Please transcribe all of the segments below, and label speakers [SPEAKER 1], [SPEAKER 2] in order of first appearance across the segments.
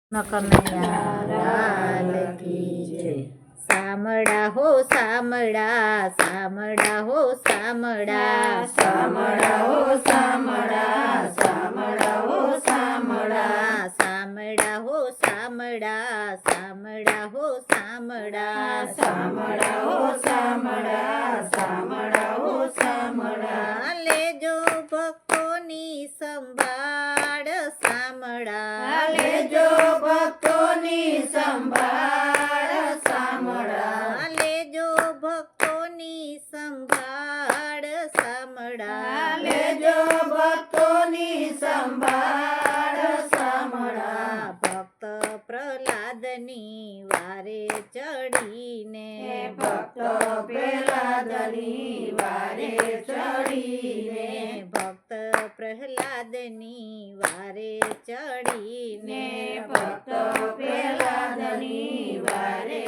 [SPEAKER 1] કનૈયા લાલ કી જય। સામડા હો સામડા, સામડા હો સામડા,
[SPEAKER 2] સામડા હો સામડા, સામડા હો સામડા,
[SPEAKER 1] સામડા હો સામડા, સામડા હો સામડા,
[SPEAKER 2] સામડા હો સામડા, સામડા હો સામડા,
[SPEAKER 1] લેજો ભક્તોની સંભાળ સામડા,
[SPEAKER 2] લેજો ભક્તોની સંભાળ સામડા,
[SPEAKER 1] લેજો ભક્તોની સંભાળ સામડા,
[SPEAKER 2] લેજો ભક્તોની સંભાળ સામડા,
[SPEAKER 1] ભક્ત પ્રહલાદની વારે ચડીને,
[SPEAKER 2] ભક્ત પ્રહલાદની વારે ચડીને,
[SPEAKER 1] ભક્ત પ્રહલાદની વારે ચડીને,
[SPEAKER 2] ભક્ત પ્રહલાદની વારે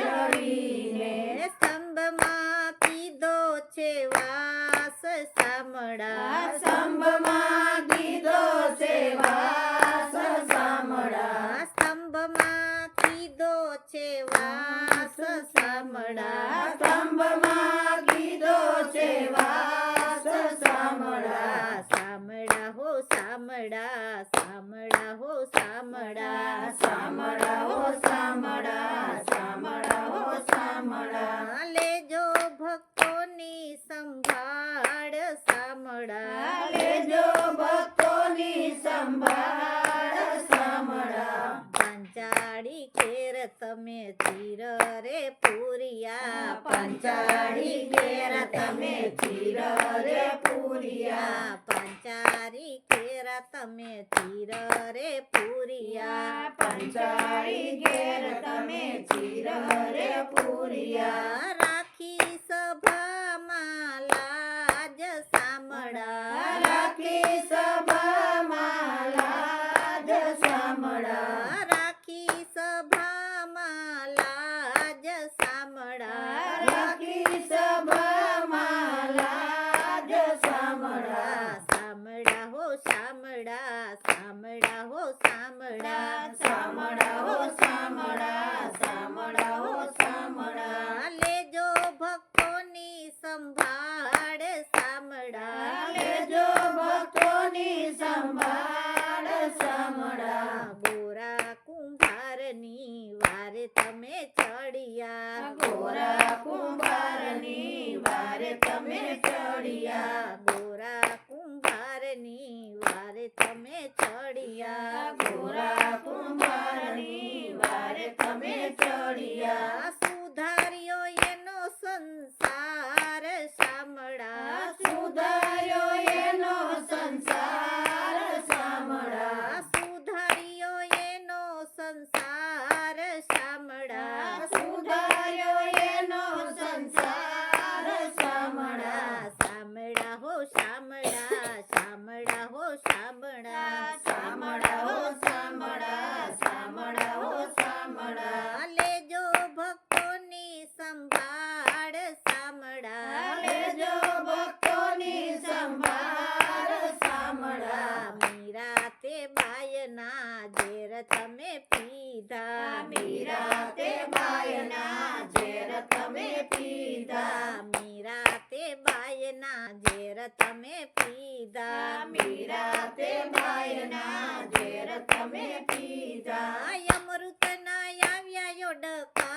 [SPEAKER 2] ચડીને,
[SPEAKER 1] સ્તંભમાં કીધો છે વાસ સામડા,
[SPEAKER 2] સ્તંભમાં કીધો છે વાસ સામડા,
[SPEAKER 1] સ્તંભમાં કીધો છે વાસ સામડા,
[SPEAKER 2] સ્તંભમાં કીધો છે વાસ સામડા,
[SPEAKER 1] સામડા હો સામડા, સામડા હો સામડા,
[SPEAKER 2] સામડા હો સામડા, સામડા હો સામડા,
[SPEAKER 1] લેજો ભક્તોની સંભાળ સામડા,
[SPEAKER 2] લેજો ભક્તોની સંભાળ સામડા,
[SPEAKER 1] પાંચાળી ખેર તમે ચીર રે પૂરિયા,
[SPEAKER 2] પંચાળી ઘેર તમે ચીર રે પૂરિયા,
[SPEAKER 1] પાંચાળી ખેર તમે ચીર રે પૂરિયા,
[SPEAKER 2] પંચાળી ઘેર તમે ચીર રે પૂરિયા,
[SPEAKER 1] રાખી સભામાં લાજ સામડા,
[SPEAKER 2] રાખી સભામાં લાજ સામડા,
[SPEAKER 1] રાખી સભામાં લાજ સામડા,
[SPEAKER 2] રાખી સભામાં લાજ સામડા,
[SPEAKER 1] સામડા હો સામડા, સામડા હો સામડા,
[SPEAKER 2] સામડા હો સામડા, સામડા હો સામડા,
[SPEAKER 1] લેજો ભક્તોની સંભાળ સામડા,
[SPEAKER 2] લેજો ભક્તોની સંભાળ સામડા,
[SPEAKER 1] ગોરા કુંભારની વારે તમે ચડિયા,
[SPEAKER 2] ગોરા કુંભારની વારે તમે ચડિયા,
[SPEAKER 1] ગોરા કુંભારની વારે તમે ચડિયા,
[SPEAKER 2] ગોરા કુંભારની વારે તમે ચડિયા,
[SPEAKER 1] સુધાર્યો એનો સંસાર સામડા,
[SPEAKER 2] સુધાર્યો એનો સંસાર સામડા,
[SPEAKER 1] સુધાર્યો એનો સંસાર સામડા,
[SPEAKER 2] સુધાર્યો એનો સંસાર સામડા,
[SPEAKER 1] સામડા હો સામડા, સામડા હો સામડા,
[SPEAKER 2] સામડા હો સામડા, સામડા હો સામડા,
[SPEAKER 1] લેજો ભક્તોની સંભાળ સામડા,
[SPEAKER 2] લેજો ભક્તોની સંભાળ સામડા,
[SPEAKER 1] મીરા તે બાયના ઝેર તમે પીધા,
[SPEAKER 2] મીરા તે બાયના ઝેર તમે પીધા,
[SPEAKER 1] મીરા તે બાયના ઝેર તમે પીધા,
[SPEAKER 2] મીરા તે બાયના ઝેર તમે પીધા,
[SPEAKER 1] અમૃતના આવ્યા યોડકા